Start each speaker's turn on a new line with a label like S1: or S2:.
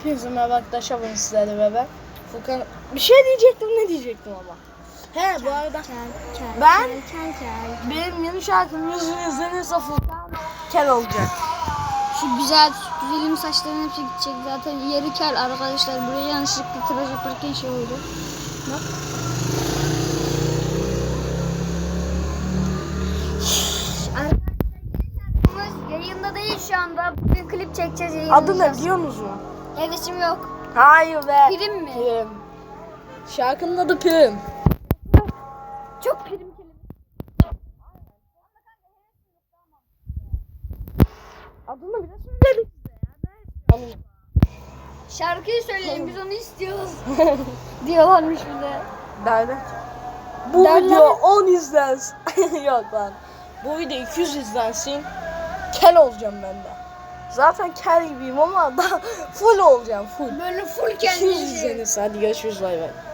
S1: Hepinize merhaba arkadaşlar, ben sizlerle beraber Furkan. Bir şey diyecektim, ne diyecektim ama. He, bu arada ben benim yeni şarkım yüzünü izlenirse Furkan kel olacak.
S2: Şu güzel güzelim saçların hepsi gidecek zaten, yeri kel arkadaşlar. Buraya yanlışlıkla tıraş yaparken şey oldu. Bak. Arkadaşlar yayında değil şu anda. Bugün klip çekeceğiz, yayınlayacağız.
S1: Adı ne biliyor musun?
S2: Hevesim yok.
S1: Hayır be.
S2: Prim mi?
S1: Prim. Şarkının adı Prim.
S2: Çok prim kelime.
S1: Adını bile söyledik size ya.
S2: Şarkıyı söyleyin, biz onu istiyoruz. Diyorlarmış bize.
S1: Derler. Bu
S2: Derler.
S1: video 10 izlensin. Yok lan. Bu video 200 izlensin. Kel olacağım ben de. Zaten kel gibiyim ama daha full olacağım, full.
S2: Böyle full
S1: 200 izlenirse hadi görüşürüz, bay bay.